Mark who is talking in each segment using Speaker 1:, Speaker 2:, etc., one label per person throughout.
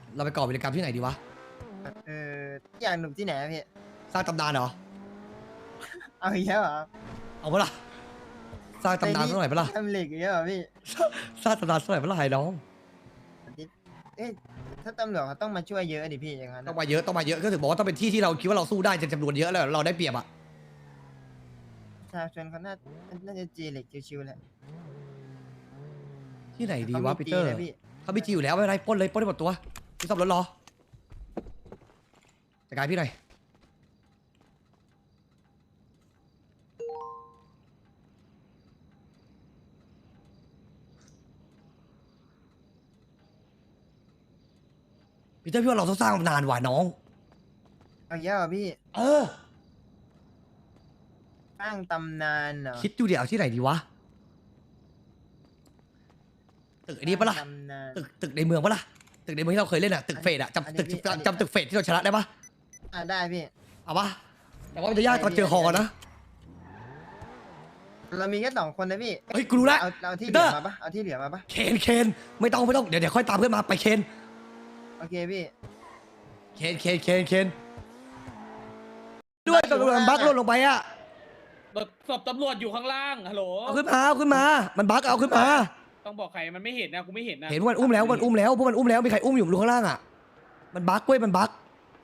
Speaker 1: เราไปก่อวิรกรรมที่ไหนดีวะ
Speaker 2: อยากหนุ่มที่ไหนอะพี่
Speaker 1: สร้างตำนานเหรอ
Speaker 2: เอาอีกแล้วเหรอ
Speaker 1: เอาปะล่ะสร้างตำนานสักหน่อยปะล่ะ
Speaker 2: ทำเหล็กอีกแล้วเหรอพี่
Speaker 1: สร้างตำนานสักหน่อยปะล่ะไอ้น้อง
Speaker 2: เอ๊ะถ้าตำรวจเขาต้องมาช่วยเยอะดิพี่อย่างนั้น
Speaker 1: ต้องมาเยอะต้องมาเยอะก็ถึงบอกว่าต้องเป็นที่ที่เราคิดว่าเราสู้ได้จำนวนเยอะแล้วเราได้เปรียบอะ
Speaker 2: ประชาชนเขาน่าจะจีเหล็กชิวๆแหละ
Speaker 1: ที่ไหนดี
Speaker 2: เขา
Speaker 1: วะ
Speaker 2: มี
Speaker 1: ปีเตอร์
Speaker 2: จีนะพี่
Speaker 1: เขามีจีอยู่แล้วไม่เป็นไรปล้นเลยปล้นได้หมดตัวพี่ซ่อมรถรอจัดการพี่หน่อยปีเตอร์พี่ว่าเราต้องสร้างนานว่ะน้อง
Speaker 2: เอาอีกแล้วเหรอพี่
Speaker 1: เออ
Speaker 2: สร้างตำนานเหรอ
Speaker 1: คิดดูเดี๋ยวเอาที่ไหนดีวะตึกอันนี้ปะล่ะ
Speaker 2: สร้างตำนาน
Speaker 1: ตึกในเมืองปะล่ะตึกในเมืองที่เราเคยเล่นอะตึกเฟดอะ
Speaker 2: อันนี้พี่
Speaker 1: จำตึกเฟดที่เราชนะได้ปะ
Speaker 2: ได้พี่
Speaker 1: เอาปะแต่ว่ามันจะยากตอนเจอฮอนะ
Speaker 2: เรามีแค่2 คนนะพี่
Speaker 1: เฮ้ยกูรู้แล้ว
Speaker 2: เอาที่เห
Speaker 1: ปีเต
Speaker 2: ลื
Speaker 1: อ
Speaker 2: อ
Speaker 1: ร์
Speaker 2: มาปะเอาที่เหลือมาปะ
Speaker 1: เคนไม่ต้องเดี๋ยวค่อยตามเพื่อนมาไปเคน
Speaker 2: โอเคพี่
Speaker 1: เคนด้วยตำรวจมันบั๊กหล่นลงไปอะ
Speaker 3: ศพตำรวจอยู่ข้างล่างฮัลโหล
Speaker 1: เอาขึ้นมามันบั๊กเอาขึ้นมา
Speaker 3: ต้องบอกใครมันไม่เห็นนะกูไม่เห็นนะ
Speaker 1: เห็นว่ามันอุ้มแล้วพวกมันอุ้มแล้วมีใครอุ้มอยู่ข้างล่างอะมันบั๊กเว้ยมันบั๊ก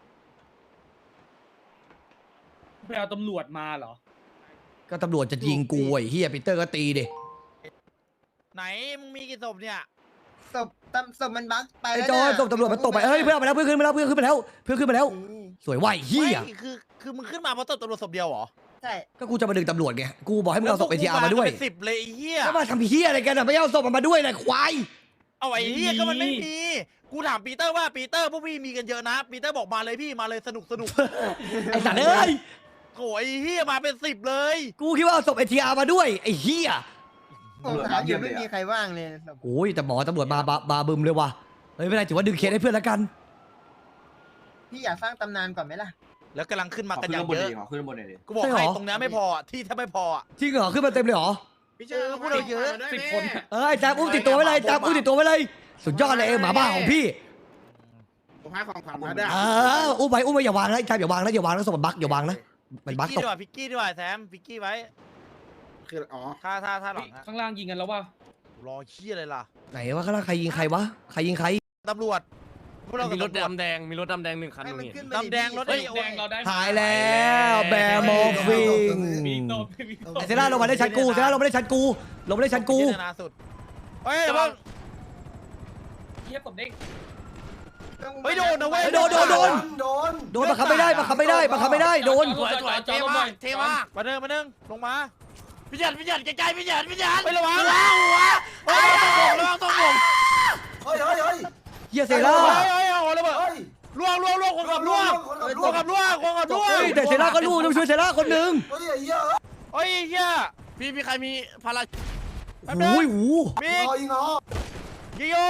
Speaker 3: ไปเอาตำรวจมาเหรอ
Speaker 1: ก็ตำรวจจะยิงกูไอ้เฮียปีเตอร์ก็ตีดิ
Speaker 4: ไหนมึงมีกี่ศพเนี่ย
Speaker 2: ศพมันบั๊กไป
Speaker 1: ไอ้
Speaker 2: แล้ว
Speaker 1: จอย
Speaker 2: นะ
Speaker 1: ส่งตำรวจมันตกไปเฮ้ยเพื่อนเอาไปแล้วเพื่อนขึ้นมาแล้ว สวยว่ะไอ้เฮีย
Speaker 4: ไม่คือมึงขึ้นมาเพราะตำรวจศพเดียวเหรอ
Speaker 2: ใช่
Speaker 1: ก็กูจะมาดึงตำรวจไงกูบอกให้มึงเอาศพเอทีอาร์มาด้วย
Speaker 4: เป็น10เลยไอ้เหี้ย
Speaker 1: แล้วมาทำเฮียอะไรกันอะไม่เอาศพมันมาด้วยเลยควาย
Speaker 4: เอาไอ้เหี้ยก็มันไม่มีกูถามปีเตอร์ว่าปีเตอร์พวกพี่มีกันเยอะนะปีเตอร์บอกมาเลยพี่มาเลยสนุก
Speaker 1: ไอ้สัตว์เอ้ย
Speaker 4: โอ้ยไอ้เหี้ยมาเป็น10เลย
Speaker 1: กูคิดว่าเอาศพเอทีอาร์มาด้วยไอ้เฮีย
Speaker 2: ผมถามอยู่ไม่มีใครว่างเลยศพ
Speaker 1: โอ้ยแต่หมอตำรวจมาบึมเลยว่ะเฮ้ยไม่เป็นไรถือว่าดึงเคสให้เพื่อนแล้วกัน
Speaker 2: พี่อยากสร้างตำนานก่อนไหมล่ะ
Speaker 4: แล้วกำลังขึ้นมา
Speaker 5: ขอ
Speaker 4: กัน
Speaker 5: ขึ้
Speaker 4: อน ย่าง
Speaker 5: บน
Speaker 4: เย
Speaker 5: ดี
Speaker 4: อะ
Speaker 5: ขอขึ้นบนหน่อยดิ
Speaker 4: กูบอก
Speaker 1: ใช่เหร
Speaker 4: ให้
Speaker 1: อ
Speaker 4: ตรงนี้ไม่พอที่ถ้าไม่พอ
Speaker 1: จริงเหรอขึ้นมาเต็มเลยเหรอ
Speaker 4: พวกเราเยอะ
Speaker 3: 10 คน
Speaker 1: เอ้ยแจ๊บอุ้มติดตัวไว้เลยแจ๊บอุ้มติดตัวไว้เลยสุดยอดเลยหมาบ้าของพี่
Speaker 5: ผมให้ของขวัญมาด้วย
Speaker 1: อุ้มไปอย่าวางนะแจ๊บอย่าวางนะศพมันบั๊กอย่าวางนะมันบั๊กตก
Speaker 4: พิกกี้ดีกว่าแซมพิกกี้ไว้
Speaker 5: คืออ๋อ
Speaker 4: ถ้าหลัง
Speaker 3: ข้างล่างยิงกันแล้วว่า
Speaker 4: รอเหี้ยอะไรล่ะ
Speaker 1: ไหนวะข้างล่างใครยิงใครวะใครยิงใคร
Speaker 4: ตำรวจพวกเรา
Speaker 6: มีรถ
Speaker 4: กับตำวจ
Speaker 6: ดำแดง มีรถดำแดง1 คัน
Speaker 2: ให้มัน
Speaker 6: นี่
Speaker 2: ขึ้น
Speaker 4: ดำแดงรถ
Speaker 3: เฮ้ยแดงเราได้
Speaker 1: หายแล้วแบร์มอร์ฟิง
Speaker 3: มีโดนมีโดน
Speaker 1: เซร่าลงมาได้ชั้นกูลงมาได้ชั้นกู
Speaker 4: พิจารณาสุดเฮ้ยเพิ่ง
Speaker 3: เทียบกับเด้ง
Speaker 4: เฮ้ยโดนนะเว้ย
Speaker 1: โดนบังคับไม่ได้โดน
Speaker 6: สวยเท่มากเท่มาก
Speaker 4: มาเดินลงมา
Speaker 6: พี่หยัดใกล้ๆพี่หยัด
Speaker 4: ไประวังเฮ้ยระวังตรงผม
Speaker 1: เฮียเซร่า
Speaker 4: เฮ้ยโอ้ระเบิดล่วงคนขับล่วง
Speaker 1: แต่เซร่าก็รู้ต้องช่วยเซร่าคนหนึ่ง
Speaker 4: เฮ้ยเฮีย
Speaker 6: พี่ใครมีพารา
Speaker 1: โอ้ย
Speaker 4: มียิงโย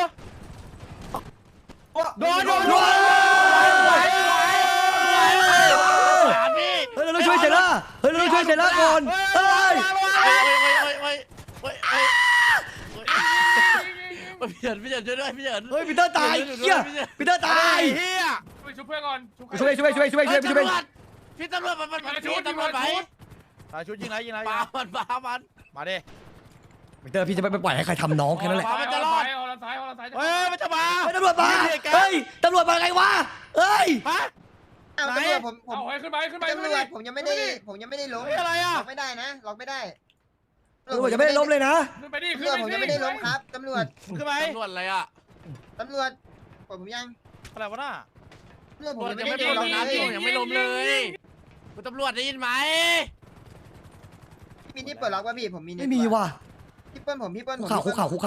Speaker 4: โดน
Speaker 6: พี่
Speaker 1: เฮ้ยเราต้องช่วยเซร่าก่อนเฮ้ย
Speaker 6: พี่หยัดช่วยด้วยพี่หยัด
Speaker 1: เฮ้ยปีเตอร์ตายเฮียปีเตอร์ตาย
Speaker 4: เฮีย
Speaker 3: ไปชุบเพื่อนก่อน
Speaker 1: ช่วย
Speaker 6: พี่ตำรวจมันไป
Speaker 4: ชุดยิงไร
Speaker 6: ปามัน
Speaker 4: มาดิ
Speaker 1: ปีเตอร์พี่จะไม่ปล่อยให้ใครทำน้องแค่นั้นแหละ
Speaker 3: มันจะรอดเอาละซ้าย
Speaker 4: เฮ้ยมันจะมา
Speaker 1: ตำรวจมาเฮ้ยตำรวจมาไงวะเฮ้ย
Speaker 4: ฮะ
Speaker 2: เอาตำรวจผม
Speaker 3: เอาให้ขึ้นไป
Speaker 2: ตำรวจผมยังไม่ได้ล้ม
Speaker 4: เฮ้ยอะไรอ่ะ
Speaker 2: ล็อกไม่ได้นะล็อกไม่ได้
Speaker 1: ตำรวจจะไม่ได้ล้มเลยนะ
Speaker 3: ขึ้นไปดิ
Speaker 2: ตำรวจผมยังไม่ได้ล้มครับตำรวจ
Speaker 4: ขึ้นไป
Speaker 6: ตำรวจอะไรอ่ะ
Speaker 2: ตำรวจผมยัง
Speaker 4: อะไรวะน่ะ
Speaker 2: ตำรวจผม
Speaker 6: ตำรวจ
Speaker 2: ยัง
Speaker 6: ยัง
Speaker 2: ไม่
Speaker 6: ไม่
Speaker 2: ได้
Speaker 6: ล
Speaker 2: ล้
Speaker 6: ง
Speaker 2: ม
Speaker 6: นะ
Speaker 2: นะ
Speaker 6: พี่ยังไม่ลงเลยคุณตำรวจได้ยินไหม
Speaker 2: พี่นี่เปิดล็อกป่ะพี่ผมมี
Speaker 1: ไม่มีว่ะ
Speaker 2: พี่เปิ้ลผม
Speaker 1: คุกเข่า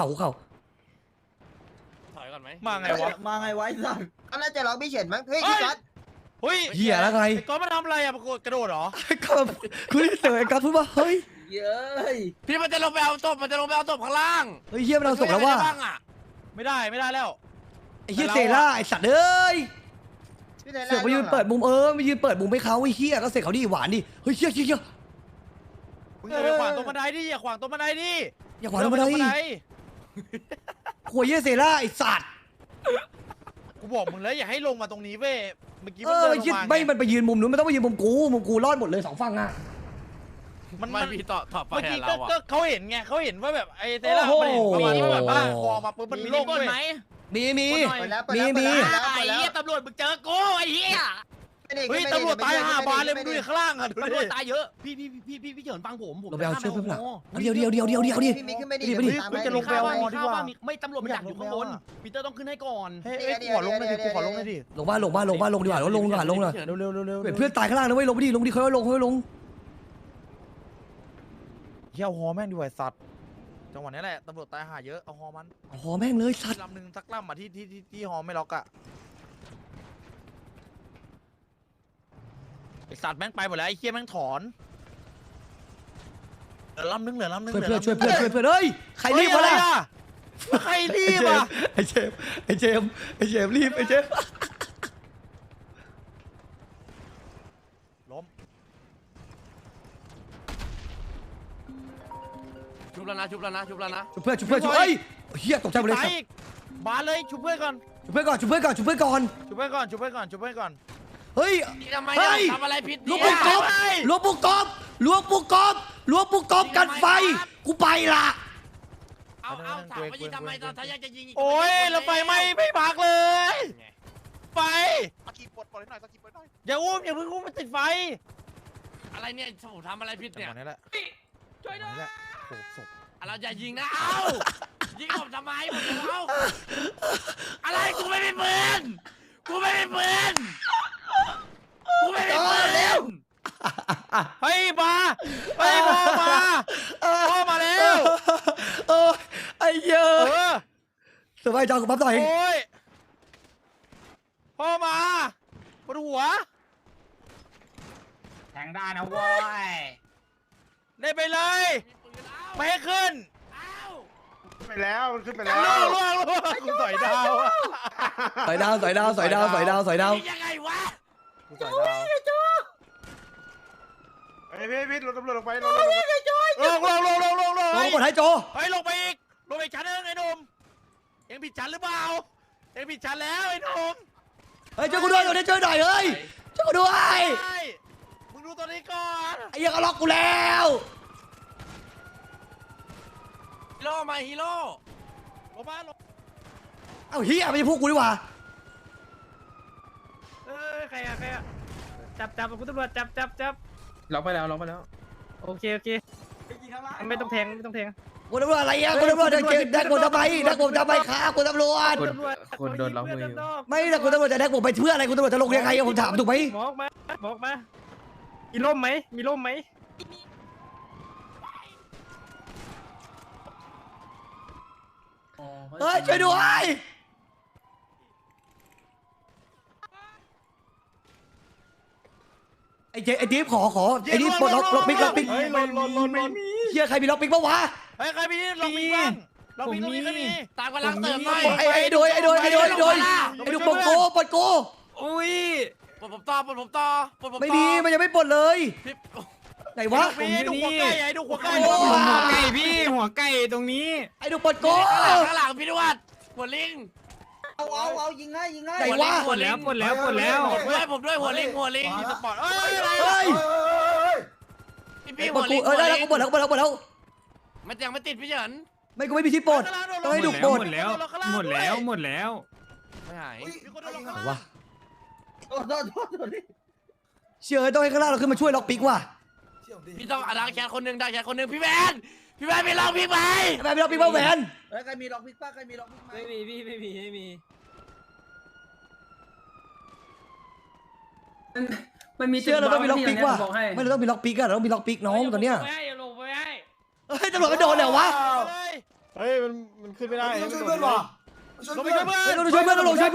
Speaker 6: ถอยก่อนไหม
Speaker 4: มาไงวะ
Speaker 5: มาไงไว้สัตว์
Speaker 2: ก็น่าจะล็อกพี่เฉินมั้งเฮ้ยพี่ก๊อต
Speaker 4: เฮ้ย
Speaker 1: เหี้ยแล้วไง
Speaker 4: ไอ้ก้อนมันทำอะไรอ่ะกระโดดเหรอ
Speaker 1: ครับคุณเสือกับพูดว่าเฮ้ย
Speaker 5: เย้ย
Speaker 6: พี่มันจะลงไปเอาศพข้างล่าง
Speaker 1: เฮ้ยเฮียมันเอาศพแล้วว่า
Speaker 6: ช่ยอะไรได้บ้างอ่ะ
Speaker 4: ไม่ได้แล้ว
Speaker 1: ไอ้เฮียเซร่าไอ้สัตว์เอ้ย
Speaker 2: พี่ไทย
Speaker 1: เสือกมายืนเปิดมุมมายืนเปิดมุมให้เขาไอ้เฮียก็เสร็จเขาดิหวานดิเฮ้ยเฮีย
Speaker 4: มึงอย่าไปขวางตรงบันไดดิอย่าขวางตรงบันไดดิ
Speaker 1: อย่าขวางตรงบันได หัวเฮียเซร่าไอ้สัตว์
Speaker 4: กูบอกมึงแล้วอย่าให้ลงมาตรงนี้เว้ยเมื่อกี้
Speaker 1: เอ
Speaker 4: มัน
Speaker 1: อ
Speaker 4: เดิน
Speaker 1: ไอ้
Speaker 4: ลง
Speaker 1: คิด
Speaker 4: มา
Speaker 1: ไม่มันไปยืนมุมนู้นมันต้องไปยืนมุมกูรอดหมดเลย2ฝั่งอ่ะ
Speaker 4: มัน
Speaker 6: ไม่พี่ต่อไป
Speaker 4: เมื่อกี้
Speaker 6: เรา
Speaker 4: ก็
Speaker 6: อะ
Speaker 4: เขาเห็นไงเขาเห็นว่าแบบไอ้เทล่ามันเห็นประมาณว่าแบบว่าพอมาปุ๊บมันโล่งเว้ย
Speaker 1: มี
Speaker 2: เปิดแล้ว
Speaker 1: มี
Speaker 2: เปิดแล้ว
Speaker 6: ไอ้
Speaker 2: เปิดแล้ว
Speaker 6: เหี้ยตำรวจมึงเจอกูไอ้เหี้ย
Speaker 4: เฮ้ยตำรวจตาย5 บาทเลยมึงดูดิข้างล่างอ่ะดู
Speaker 6: ตำรว
Speaker 4: ดิ
Speaker 6: จตายเยอะพี่เฉินฟังผม
Speaker 1: เราไปเอาเชือกเพิ่มหลัง
Speaker 6: ข้าม
Speaker 1: เดี๋ยวดิ
Speaker 2: พี่มิกขึ้นไม่ดี
Speaker 1: ไปดิ
Speaker 2: ตามไป
Speaker 4: จะลงไป
Speaker 6: ข้าว
Speaker 4: เอา
Speaker 6: ว่า
Speaker 4: ดี
Speaker 6: ข้าว
Speaker 4: กว่า
Speaker 6: ว่าไม่ตำรวจมันดักอยู่ข้างบนปีเตอร์ต้องขึ้นให้ก่อน
Speaker 4: เฮ้ยกูขอลงหน่อยดิกูขอลงหน่อยดิ
Speaker 1: ลงบ้านดีกว่าลงดีกว่าลงหน่อย
Speaker 4: เร็วเร็วเร็วเร็ว
Speaker 1: เพื่อนตายข้างล่างนะเว้ยลงไปดิค่อยลง
Speaker 4: เฮียเอาฮอแม่งดีกว่าสัตว์จังหวะนี้แหละตำรวจตายหาเยอะเอาฮอมัน
Speaker 1: หอแม่งเลยสัตว์
Speaker 4: ลำหนึ่งสักลำอ่ะที่ฮอไม่ล็อกอ่ะไอสัตว์แม่งไปหมดแล้วไอ้เฮียแม่งถอนเหลือลำนึง
Speaker 1: เพื่อนช่วยเพื่อนเฮ้ยใครรีบวะล่ะ
Speaker 4: ใครรีบอ่ะ
Speaker 1: ไอเจมรีบไอเจม
Speaker 4: ล้ม
Speaker 6: ชุบแล้วนะชุบแล้วนะ
Speaker 1: ช่วยเฮ้ยเฮียตกใจหมดเลย
Speaker 4: ตายอีกบาสเลยชุบเพื่อนก่อน
Speaker 1: ช่วยเพื่อนก่อนเฮ้ย
Speaker 6: ทำไม
Speaker 1: เฮ้ย
Speaker 6: ทำอะไรผิด
Speaker 1: ลวง
Speaker 6: เนี่
Speaker 1: ปุก
Speaker 6: ย
Speaker 1: กบกันไฟกูไปละ
Speaker 6: เอาถามว่ายิงทำไมตอนถ้าอยากจะยิง
Speaker 4: โอ้ยแล้วไฟไหม้ไม่พักเลย ไฟสกีปลดให้หน่อยอย่าอุ้มอย่าเพิ่งอุ้มมันติดไฟ
Speaker 6: อะไรเนี่ยผมทำอะไรผิด
Speaker 4: จัง
Speaker 6: เนี่ย
Speaker 4: หวะนี้แหละ
Speaker 3: ช่วยด้วย
Speaker 4: นี่แหละโอ้ศพ
Speaker 6: เราจะยิงนะเอายิงผมทำไมผมจะเอาอะไรกูไม่มีปืน
Speaker 4: เฮ้ยมาเฮ้ยพ่อมาแล้ว
Speaker 1: เออไอ้เหี้ย
Speaker 4: เออ
Speaker 1: สบายใจกูปั๊บหน่อย
Speaker 4: โอ้ยพ่อมาปวดหัว
Speaker 3: แทงได้นะเว้ย
Speaker 4: ได้ไปเลยไม่ให้ขึ้น
Speaker 5: ไปแล้วมันขึ้นไปแล้ว
Speaker 4: ล่วงกูต่อยดาวอะ
Speaker 1: สอยดาว
Speaker 6: ยังไงวะ
Speaker 4: กูต่อยดาว
Speaker 5: เฮ้ยพี่รถตำรวจลงไปลง
Speaker 4: ลง
Speaker 1: ลงกดให้โจ
Speaker 4: เฮ้ยลงไปอีกชั้นนึงไอ้หนุ่มเอ็งผิดชั้นหรือเปล่าเอ็งผิดชั้นแล้วไอ้หนุ่ม
Speaker 1: เฮ้ยช่วยกูด้วยช่วยหน่อยเฮ้ยช่วยกูด้วย
Speaker 4: ใช่มึงดูตัวนี้ก่อน
Speaker 1: ไอ้เหี้ยก็ล็อกกูแล้ว
Speaker 6: ฮีโร่มาฮีโร่
Speaker 4: ลงมาลง
Speaker 1: เอ้าเฮียไม่ใช่พวกกูดีกว่า
Speaker 7: ใครอะจับคุณตำรวจจับ
Speaker 3: ล็อกไปแล้ว
Speaker 7: โอเคไม่ต้องแทง
Speaker 1: กูตำรวจอะไรอ่ะกูตำรวจจะแดกผมทำไมครับกูตำรวจ
Speaker 3: คนโดนล็อกมืออยู่
Speaker 1: ไม่แต่กูตำรวจจะแดกผมไปเพื่ออะไรกูตำรวจจะลงยังไงผมถามถูกไหม
Speaker 7: บอกมามีร่มไหม
Speaker 1: เฮ้ยช่วยด้วยไอ้จี๊บขอไอ้นี่ปลดล็อกปิ๊ก
Speaker 4: เฮ้ยลนไม่มี
Speaker 1: เฮียใครมีล็อกปิ๊กบ้างวะ
Speaker 4: เฮ้ยใครมีลองมีบ้างลองมีก็มี
Speaker 6: ตามกำลังเติมหน่อย
Speaker 1: ไอ้โดยไอ้ดูปลดกู
Speaker 7: อุ้ย
Speaker 6: ผมต่อ
Speaker 1: ไม่มีมันยังไม่ปลดเลย
Speaker 6: พี่
Speaker 1: ไหนวะ
Speaker 4: มีดูหัวไก่ไอ้ดูหัวไก่
Speaker 1: โอ้
Speaker 7: หัวไก่พี่หัวไก่ตรงนี้
Speaker 1: ไอ้ดูปลดกู
Speaker 6: ข้างหลังพี่ดวดหัวลิง
Speaker 2: เอายิงให้
Speaker 1: ไหนวะ
Speaker 7: ปลดแล้ว
Speaker 6: ผมด้วยหัวลิง
Speaker 4: มีสปอร์ตเอ้ย
Speaker 1: เฮ้ย
Speaker 6: พี่
Speaker 1: ปล
Speaker 6: หั
Speaker 1: ด
Speaker 6: ว
Speaker 1: กู
Speaker 6: ลิง
Speaker 1: ได้แล้วกูปลดแล้ว
Speaker 6: มันยังไม่ติดพี่เฉิน
Speaker 1: ไม่กูไม่มีที่ปลดต้องให้ดูปลด
Speaker 7: หมดแล้ว
Speaker 6: ไม่หาย
Speaker 4: มีคนโดนลง
Speaker 1: ไหนวะ
Speaker 2: โทษ
Speaker 1: เชื่อต้องให้ข้างล่างเราขึ้นมาช่วยล็อกปิ๊กว่ะ
Speaker 6: พี่ต้องดักแคทคนหนึ่งพี่แมนไปลองพี่ไป
Speaker 1: ทำไมไม่ล็อกปิ๊กบ้างแหวน
Speaker 2: แล้วใครมีล็อกพิกป้าใครมีล็อกพิกไหม
Speaker 7: ไม่มีพี่ไม่มี
Speaker 8: มันมี
Speaker 1: เชื่อเราต้องมีล็อกปิ๊กว่ะ
Speaker 8: บอกให้
Speaker 1: ไม่เราต้องมีล็อกปิ๊กอะเราต้องมีล็อกปิ๊กน้องตอนเนี้ย
Speaker 3: ไม่ให้ลงไปให้
Speaker 1: เฮ้ยตำรวจมันโดนเหรอวะ
Speaker 5: เฮ้ยมันขึ้นไม่ได้
Speaker 4: ลงไปช่วยเพื่อน
Speaker 1: ต้องช่วยเพื่อนต้องลง
Speaker 3: ใคร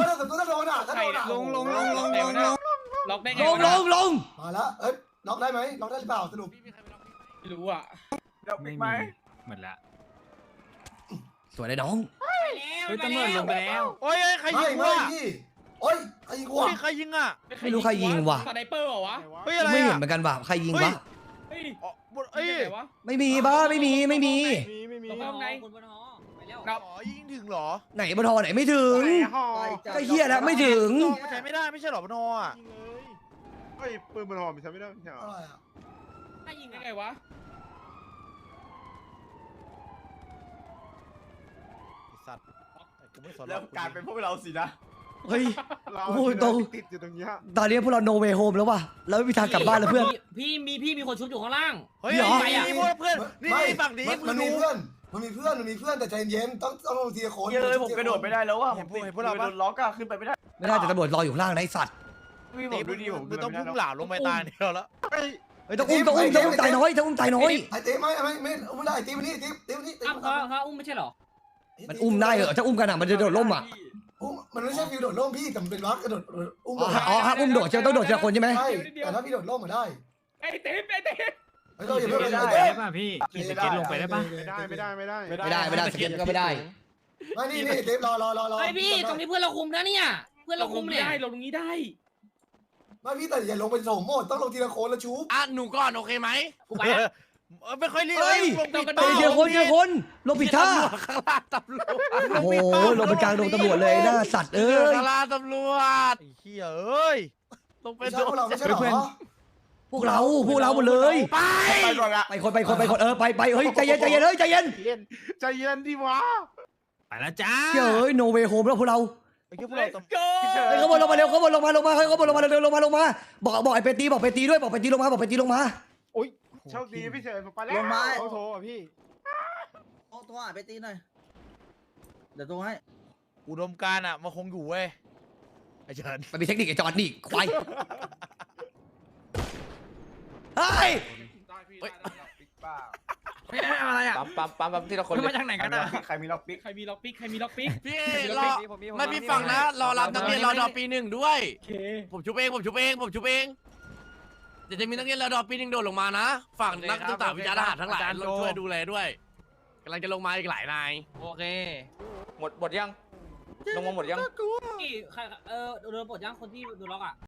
Speaker 3: ล็อกได้ไง
Speaker 1: ลง
Speaker 9: มาแล้ว เอ้ย ล็อกได้ไหมล็อกได้หรือเปล่าสรุป
Speaker 3: ไม่รู้อ่ะ
Speaker 7: ไม่มีหมดละ
Speaker 1: สวยเลยน้อง
Speaker 7: เฮ้ยตำรวจลงไปแล้ว
Speaker 4: โอ้ยใครยิ
Speaker 9: ไม่
Speaker 4: ง
Speaker 9: ไม่
Speaker 4: วะ
Speaker 9: พี่โอ้ยใครยิงกู
Speaker 4: โอ้ย
Speaker 9: อ่ะ
Speaker 4: ใครยิงอ่ะ
Speaker 1: ไม่รู้ใครยิงว่ะ
Speaker 3: สไนเปอร์เหรอวะ
Speaker 4: เฮ้ยอะไร
Speaker 1: ไม่เห็น
Speaker 4: อ่ะ
Speaker 1: เหมือนกันว่ะใครยิงวะ
Speaker 3: เฮ้ย
Speaker 4: เอ้ย
Speaker 3: ไหนวะ
Speaker 1: ไม่มีบ้าไม่มี
Speaker 3: ลงไปข้างในนับ
Speaker 4: อ๋อยิงถึงเหรอ
Speaker 1: ไหนบทไหนไม่ถึง
Speaker 5: ห่อ
Speaker 1: ก็เฮียแล้วไม่ถึง
Speaker 4: มันใช้ไม่ได้ไม่ใช่เหรอบนอ่ะ
Speaker 5: ยิงเลยเฮ้ยปืนบนห่อมันใช้ไม่ได้ไม่ใช่เหรอ
Speaker 9: อะไรอ่ะ
Speaker 3: ถ้ายิงได้ไงวะ
Speaker 4: ไอ้สัตว์กูไม่สน
Speaker 6: แล้วกลายเป็นพวกเราสินะ
Speaker 1: เฮ้ย
Speaker 5: เรา
Speaker 1: โอ้ยตรง
Speaker 5: ติดอยู่ตรงเนี้ย
Speaker 1: ตอนนี้พวกเราโนเวโฮมแล้วว่ะแล้วไม่มีทางกลับบ้านแล้วเพื่อน
Speaker 6: พี่มีคนชุบอยู่ข้างล่าง
Speaker 4: เฮ้ย
Speaker 1: เหรอ
Speaker 4: นี่พวกเพื่อนนี่ฝั่งนี้
Speaker 9: มันมีเพื่อนมันมีเพื่อนแต่ใจเย็นต้องลงทีละคน
Speaker 6: เยอะผมกระโดดไม่ได้แล้วว่า
Speaker 4: เห็นพวกเรา
Speaker 6: โด
Speaker 4: ปะ
Speaker 6: นล็อกอะขึ้นไปไม่ได้
Speaker 1: ไม่ได้แต่ตำรวจรออยู่ข้างล่างนะไอ้สัตว์
Speaker 6: พี่ผมดูดิผม
Speaker 4: มึงต้องพุ่งหลาลงไปตายเดียวแล้ว
Speaker 5: เฮ้ย
Speaker 1: เฮ้ยต้องอุ้มตายน้อยต้องอุ้มตายน้อย
Speaker 9: ไอ้เต้ไม่ไม่ได้ไอ้เต้มานี่เต้มานี่
Speaker 6: อ้าวเขาอุ้มไม่ใช่เหรอ
Speaker 1: มันอุ้มได้เหรอถ้าอุ้มกันอ่ะมันจะโดดล่มอ่ะ
Speaker 9: มันไม่ใช่ฟิวโดดร่มพี่แต่มันเป็นวักกระโดดอุ้ม
Speaker 1: อ๋อฮะอุ้มโดดต้องโดดทีละคนใช่ไหม
Speaker 9: ใช่แต่ถ้าพี่โดดร่มมาได้
Speaker 3: ไอ้เต้ไอ้เต้
Speaker 9: เราอย่าเพิ่ง
Speaker 7: ได้
Speaker 9: เต้
Speaker 7: ป่ะพี่ขี่สเก็ตลงไปได้ป่ะ
Speaker 5: ไม่ได้
Speaker 1: ไม่ได้สเก็ตก็ไม่ได้
Speaker 9: ไม่นี่เต้รอ
Speaker 6: ไอพี่ตรงนี้เพื่อนเราคุมนะเนี่ยเพื่อน
Speaker 3: เรา
Speaker 6: เรา
Speaker 3: คุ
Speaker 6: คุ
Speaker 3: ม
Speaker 6: ม
Speaker 3: ไม่
Speaker 6: เนี่ย
Speaker 3: ได้ลงตรงนี้ได้
Speaker 9: ไม่พี่แต่อย่าลงเป็นโถมหมดต้องลงทีละคนแล้วชู
Speaker 8: อ่ะหนูก่อนโอเคไหม
Speaker 6: กูไปละ
Speaker 4: ไม่ค่อยรีบ
Speaker 1: เฮ้ย
Speaker 4: ลงผิด
Speaker 1: ไปทีละคนลงผิดท่า
Speaker 8: ข้างล่างตำรวจ
Speaker 1: โอ้โหลงไปกลางลงตำรวจเลยหน้าสัตว์เอ้ย
Speaker 8: ข้างล่างตำรวจ
Speaker 4: ไอ้เหี้ยเอ้ย
Speaker 8: ลงไป
Speaker 9: ไม่
Speaker 8: โด
Speaker 9: ใช่พวกเราไม่ใช่หรอ
Speaker 1: พวกเราหมดเลย
Speaker 8: ไป
Speaker 6: ไปก่อนละ
Speaker 1: ไปคนไปเฮ้ยใจเย็นเฮ้ยใจเย็น
Speaker 5: ใจเย็นดิวะ
Speaker 7: ไปแล้วจ้า
Speaker 1: เฮ้ยโนเวโฮมแล้วพวกเรา
Speaker 4: ไอ้เหี้ยพวกเราต้อง
Speaker 1: เฮ้ยเขาบอลลงมาเร็วเขาบอลลงมาเฮ้ยเขาบอลลงมาเร็วลงมาบอกไอ้เปตีบอกเปตีด้วยบอกเปตีลงมา
Speaker 5: โชคดีพี่เฉินผมไปแล้ว
Speaker 2: ลงมา
Speaker 5: โอ้โหพี่
Speaker 2: โอ้ตัวไปตีหน่อยเดี๋ยวตัวให้
Speaker 4: อุดมการณ์อ่ะมันคงอยู่เว้ยไอ้เฉิน
Speaker 1: มันมีเทคนิคไอ้จอนนี่ควายเฮ้ย
Speaker 7: ไม่เอาอะไรอ่ะ
Speaker 6: ปั๊มที่เราคน
Speaker 7: มาจากไหนกันอ่ะ
Speaker 6: ใครมีล็อกปิ๊ก
Speaker 3: ใครมีล็อกปิ๊ก
Speaker 8: พี่รอไม่พี่ฟังนะรอรับนักเรียนรอดอปีหนึ่งด้วย
Speaker 3: โอเค
Speaker 8: ผมชุบเองเดี๋ยวจะมีนักเรียนรอดอปีหนึ่งโดดลงมานะฝั่งนักศึกษาวิชาทหารทั้งหลายช่วยดูแลด้วยกำลังจะลงมาอีกหลายนาย
Speaker 6: โอเคหมดยังลงมาหมดยัง
Speaker 3: ใครโดนปลดย่างคนที่โดนล็อกอ่ะ